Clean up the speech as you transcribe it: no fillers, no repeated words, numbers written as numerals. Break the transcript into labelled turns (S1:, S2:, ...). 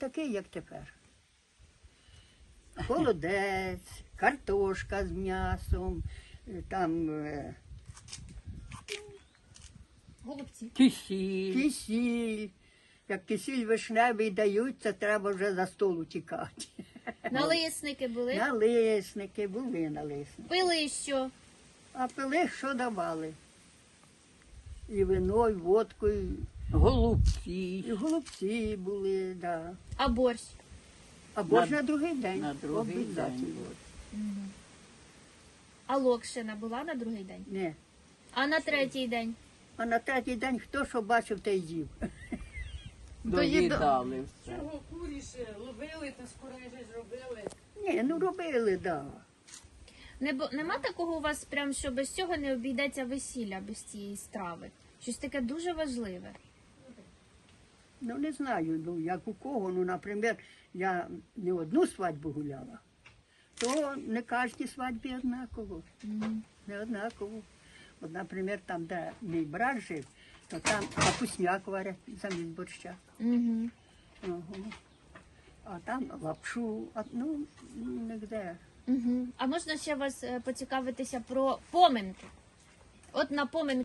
S1: такий, як тепер. Холодець, картошка з м'ясом, там
S2: Голубці.
S1: кисіль. Як кисіль вишневий дають, це треба вже за столу тікати.
S2: Налисники були.
S1: Налисники, були налисники.
S2: Пили що?
S1: А пили, що давали? І вино, і водку, і
S3: Голубці.
S1: голубці були, да.
S2: А борщ?
S1: Або ж на другий день.
S3: На другий
S1: Обов'язательно.
S3: день.
S2: А локшина була на другий день?
S1: Ні.
S2: А на третій день?
S1: А на третій день хто що бачив, той їв.
S3: Доїдали все.
S4: Чого куріше ловили та скоріше зробили?
S1: Ні, ну робили, да.
S2: Нема такого у вас прям, що без цього не обійдеться весілля, без цієї страви? Щось таке дуже важливе.
S1: Ну не знаю, ну як у кого. Ну, наприклад, я не одну свадьбу гуляла, то не кожній свадьбі однаково. Не однаково. От, наприклад, там, де мій брат жив, то там капусняк варять замість борща.
S2: Угу.
S1: Ага. А там лапшу, ну, нігде.
S2: Угу. А можна ще вас поцікавитися про поминки? От на поминки